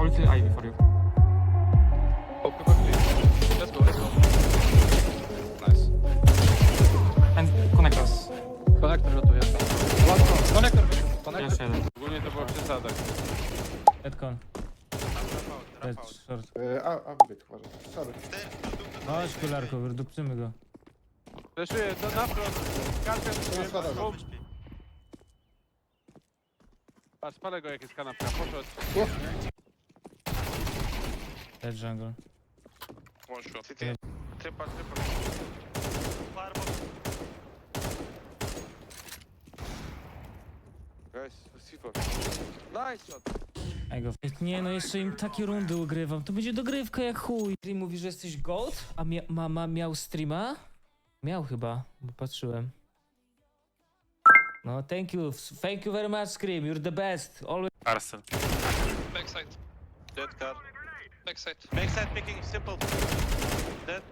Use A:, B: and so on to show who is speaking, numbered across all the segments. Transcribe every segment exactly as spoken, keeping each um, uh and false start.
A: Ulti Ivy for you.
B: Oh, come on, please. Let's go, let's go. Nice.
A: And connectors.
B: Konektor rotuje. Łatwo. Konektor wyszedł. Konektor.
A: Jeszcze jeden.
B: Ogólnie to było przesada.
C: Deadcon. Dead short.
D: E, A, a wybieg, uważaj. Sorry.
C: Chodź kularko, wydupcymy go.
B: Fleszuję, to na front. Karpia,
D: Na schodach.
B: bum. A spalę go jak jest kanapka, poszedł.
C: Dead jungle.
E: One shot.
B: Tripa, tripa. Guys, receiver. Nice shot.
C: Ej go. Nie no, jeszcze im takie rundy ugrywam. To będzie dogrywka jak chuj. Stream mówi, że jesteś gold? A mia mama miał streama? Miał chyba, bo patrzyłem. No, thank you. Thank you very much, Scream. You're the best. Always.
E: Arsenal.
F: Backside.
E: Dead car.
F: Backside.
E: Backside picking simple. Dead.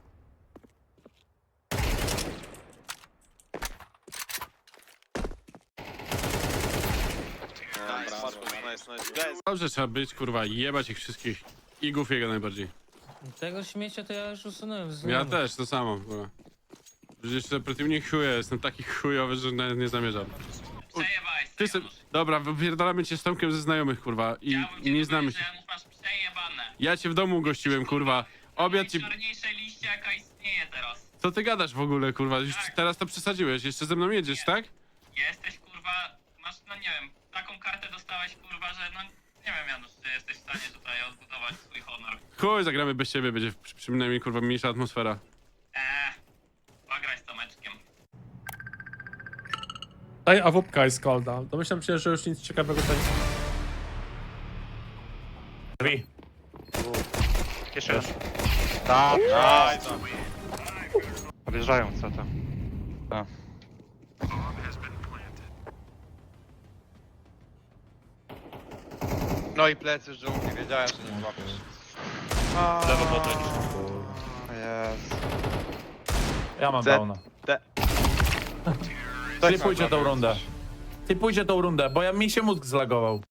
E: Nice, Marcus, nice, nice. Guys,
G: Dobrze trzeba być, kurwa, i jebać ich wszystkich. I jego najbardziej.
C: Tego śmiecia to ja już usunąłem z
G: Ja
C: znajomych.
G: też, to samo, kurwa. Przecież to przeciwnik chuje, jestem taki chujowy, że nawet nie zamierzam.
F: Przejebałeś
G: Ty
F: sobie,
G: se... Dobra, wypierdalamy cię z Tomkiem ze znajomych, kurwa, i, i nie znamy się.
F: Janusz, masz przejebane.
G: Ja cię w domu gościłem, kurwa. Obiad ci...
F: Najczarniejszej liście, jaka istnieje teraz.
G: Co ty gadasz w ogóle, kurwa? Już teraz to przesadziłeś, jeszcze ze mną jedziesz, tak?
F: Jesteś, kurwa, masz, no nie wiem, taką kartę dostałeś, kurwa, że no, nie wiem, Janusz, czy jesteś w stanie tutaj odbudować swój honor.
G: Chuj, zagramy bez ciebie, będzie przy- przynajmniej, kurwa, mniejsza atmosfera.
F: Eee, pograj z Tomeczkiem.
H: Daj awupka jest kolda. Domyślam się, że już nic ciekawego tutaj. Drzwi.
E: jeszcze raz. Tak, nice. Podjeżdżają, co to? A.
B: No i plecy z dżungli, wiedziałem, że nie złapiesz.
E: Lewo potem.
B: Jest.
I: Ja mam
B: Ze-
I: downa.
B: Ty
I: Typujcie tą rundę. Typujcie tą rundę, bo ja mi się mózg zlagował.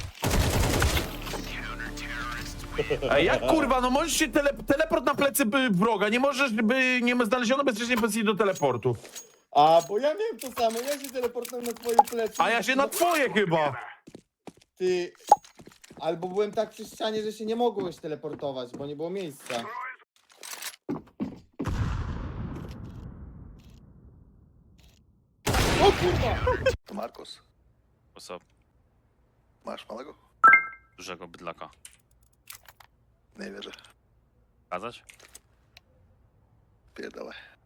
I: Ej, jak kurwa, no możesz się tele, teleport na plecy by, wroga, nie możesz, by nie znaleziono bezpiecznie pozycji do teleportu.
D: A, bo ja miałem to samo, ja się teleportowałem na twoje plecy.
I: A ja się na twoje chyba.
D: Ty... Albo byłem tak przy ścianie, że się nie mogłeś teleportować, bo nie było miejsca. O kurwa!
E: Markus. What's up? Masz małego? Dużego bydlaka. Nie wierzę. Kazać? Pierdolę.